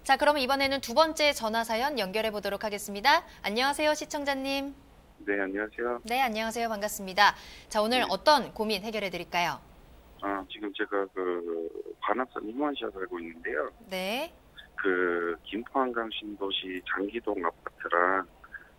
자, 그럼 이번에는 두 번째 전화 사연 연결해 보도록 하겠습니다. 안녕하세요, 시청자님. 네, 안녕하세요. 네, 안녕하세요. 반갑습니다. 자, 오늘 네. 어떤 고민 해결해 드릴까요? 지금 제가 관악산 임원시에 살고 있는데요. 네. 김포 한강 신도시 장기동 아파트랑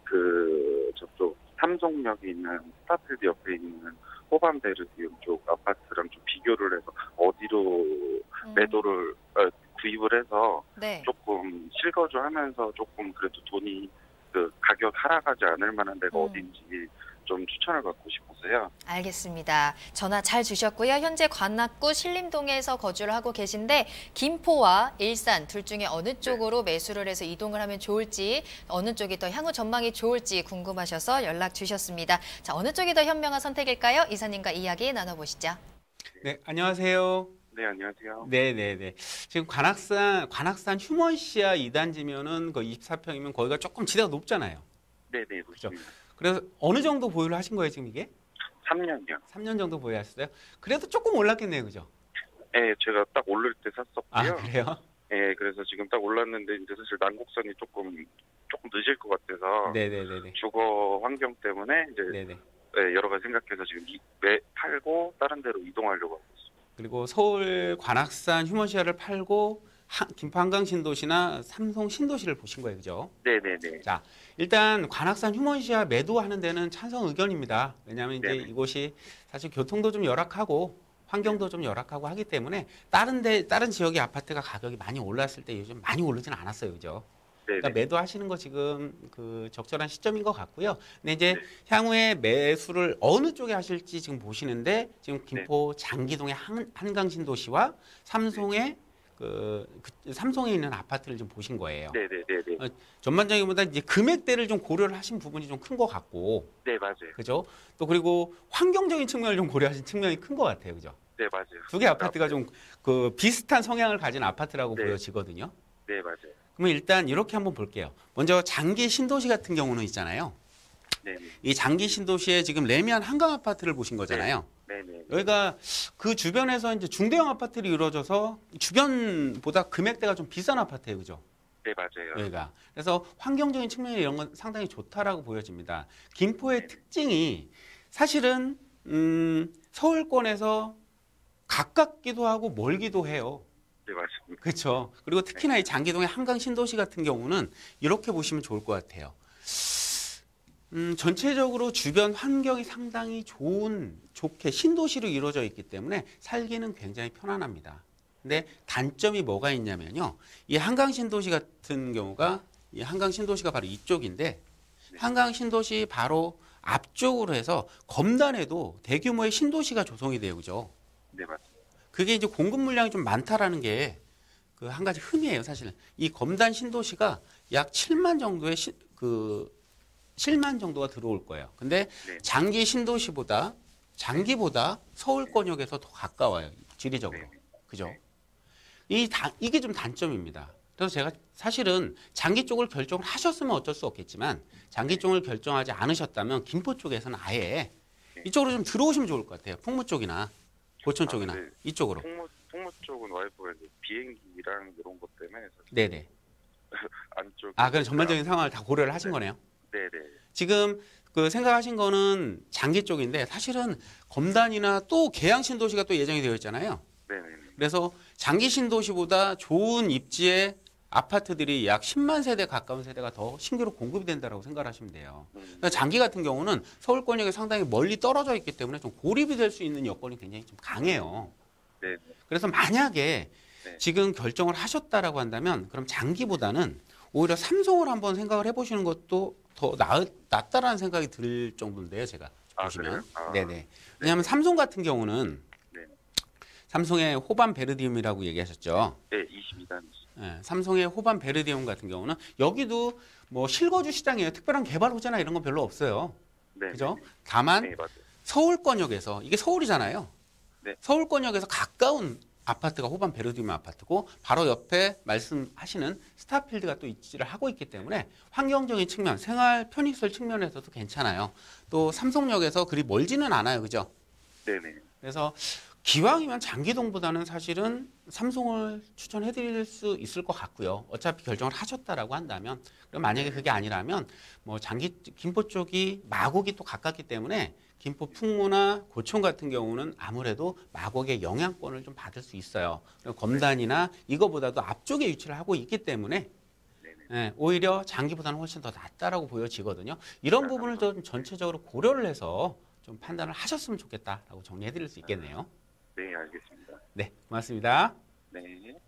저쪽 삼성역에 있는 스타필드 옆에 있는 호반베르디움 쪽 아파트랑 좀 비교를 해서 어디로 매도를 구입을 해서 네. 조금 실거주하면서 조금 그래도 돈이 가격 하락하지 않을 만한 데가 어딘지 좀 추천을 받고 싶어서요. 알겠습니다. 전화 잘 주셨고요. 현재 관악구 신림동에서 거주를 하고 계신데 김포와 일산 둘 중에 어느 쪽으로 매수를 해서 이동을 하면 좋을지, 어느 쪽이 더 향후 전망이 좋을지 궁금하셔서 연락 주셨습니다. 자, 어느 쪽이 더 현명한 선택일까요? 이사님과 이야기 나눠보시죠. 네, 안녕하세요. 네, 안녕하세요. 네네네. 지금 관악산 휴먼시아 2단지면은 그 24평이면 거기가 조금 지대가 높잖아요. 네네, 그렇습니다. 그래서 어느 정도 보유를 하신 거예요, 지금 이게? 3년이요. 3년 정도 보유하셨어요? 그래도 조금 올랐겠네요, 그죠? 네, 제가 딱 오를 때 샀었고요. 아, 그래요? 네, 그래서 지금 딱 올랐는데 이제 사실 난곡선이 조금 늦을 것 같아서 네네네네. 주거 환경 때문에 이제 네네. 여러 가지 생각해서 지금 팔고 다른 데로 이동하려고 하고 있습니다. 그리고 서울 관악산 휴먼시아를 팔고 김포 한강 신도시나 삼성 신도시를 보신 거예요, 그죠? 네네네. 자, 일단 관악산 휴먼시아 매도하는 데는 찬성 의견입니다. 왜냐하면 이제 네네. 이곳이 사실 교통도 좀 열악하고 환경도 좀 열악하고 하기 때문에 다른 지역의 아파트가 가격이 많이 올랐을 때 요즘 많이 오르지는 않았어요, 그죠? 그러니까 매도하시는 거 지금 적절한 시점인 것 같고요. 근데 이제 향후에 매수를 어느 쪽에 하실지 지금 보시는데 지금 김포 장기동의 한강 신도시와 삼성의 삼성에 있는 아파트를 좀 보신 거예요. 네네네네. 전반적인보다 이제 금액대를 좀 고려를 하신 부분이 좀 큰 것 같고. 네, 맞아요. 그죠? 또 그리고 환경적인 측면을 좀 고려하신 측면이 큰 것 같아요. 그죠? 네, 맞아요. 두 개 아파트가 좀 비슷한 성향을 가진 아파트라고 보여지거든요. 네, 맞아요. 그러면 일단 이렇게 한번 볼게요. 먼저 장기 신도시 같은 경우는 있잖아요. 네네. 이 장기 신도시에 지금 레미안 한강 아파트를 보신 거잖아요. 네네. 여기가 그 주변에서 이제 중대형 아파트들이 이루어져서 주변보다 금액대가 좀 비싼 아파트예요, 그죠? 네, 맞아요. 여기가. 그래서 환경적인 측면에 이런 건 상당히 좋다라고 보여집니다. 김포의 특징이 사실은 서울권에서 가깝기도 하고 멀기도 해요. 네, 맞습니다. 그렇죠. 그리고 특히나 이 장기동의 한강 신도시 같은 경우는 이렇게 보시면 좋을 것 같아요. 전체적으로 주변 환경이 상당히 좋게 신도시로 이루어져 있기 때문에 살기는 굉장히 편안합니다. 근데 단점이 뭐가 있냐면요. 이 한강 신도시 같은 경우가 이 한강 신도시가 바로 이쪽인데 한강 신도시 바로 앞쪽으로 해서 검단에도 대규모의 신도시가 조성이 돼요. 그죠? 네, 맞습니다. 그게 이제 공급 물량이 좀 많다라는 게 한 가지 흠이에요, 사실은. 이 검단 신도시가 약 7만 정도의 7만 정도가 들어올 거예요. 근데 장기 신도시보다 서울권역에서 더 가까워요, 지리적으로. 그죠? 이게 좀 단점입니다. 그래서 제가 사실은 장기 쪽을 결정을 하셨으면 어쩔 수 없겠지만 장기 쪽을 결정하지 않으셨다면 김포 쪽에서는 아예 이쪽으로 좀 들어오시면 좋을 것 같아요. 풍무 쪽이나 고천 쪽이나 이쪽으로. 풍무 쪽은 와이프가 이제 비행기랑 이런 것 때문에 네네. 안쪽. 그럼 전반적인 상황을 다 고려를 하신 거네요. 네네. 지금 생각하신 거는 장기 쪽인데 사실은 검단이나 또 계양 신도시가 또 예정이 되어 있잖아요. 네네. 그래서 장기 신도시보다 좋은 입지의 아파트들이 약 10만 세대 가까운 세대가 더 신규로 공급이 된다고 생각하시면 돼요. 그러니까 장기 같은 경우는 서울권역에 상당히 멀리 떨어져 있기 때문에 좀 고립이 될 수 있는 여건이 굉장히 좀 강해요. 네. 그래서 만약에 지금 결정을 하셨다라고 한다면 그럼 장기보다는 오히려 삼성을 한번 생각을 해보시는 것도 더 낫다라는 생각이 들 정도인데요, 제가 보시면. 네네. 왜냐하면 삼성 같은 경우는 삼성의 호반 베르디움이라고 얘기하셨죠. 네, 22단. 네, 삼성의 호반 베르디움 같은 경우는 여기도 뭐 실거주 시장이에요. 특별한 개발 호재나 이런 건 별로 없어요. 네. 그죠? 다만 서울권역에서 이게 서울이잖아요. 네. 서울권역에서 가까운 아파트가 호반 베르디움 아파트고 바로 옆에 말씀하시는 스타필드가 또 입지를 하고 있기 때문에 환경적인 측면, 생활 편의시설 측면에서도 괜찮아요. 또 삼성역에서 그리 멀지는 않아요. 그죠? 네네. 그래서 기왕이면 장기동보다는 사실은 삼성을 추천해 드릴 수 있을 것 같고요. 어차피 결정을 하셨다라고 한다면. 그럼 만약에 그게 아니라면 뭐 김포 쪽이 마곡이 또 가깝기 때문에 김포 풍무나 고촌 같은 경우는 아무래도 마곡의 영향권을 좀 받을 수 있어요. 그리고 검단이나 이거보다도 앞쪽에 위치를 하고 있기 때문에 오히려 장기보다는 훨씬 더 낫다라고 보여지거든요. 이런 부분을 좀 전체적으로 고려를 해서 좀 판단을 하셨으면 좋겠다라고 정리해 드릴 수 있겠네요. 네, 알겠습니다. 네, 고맙습니다. 네.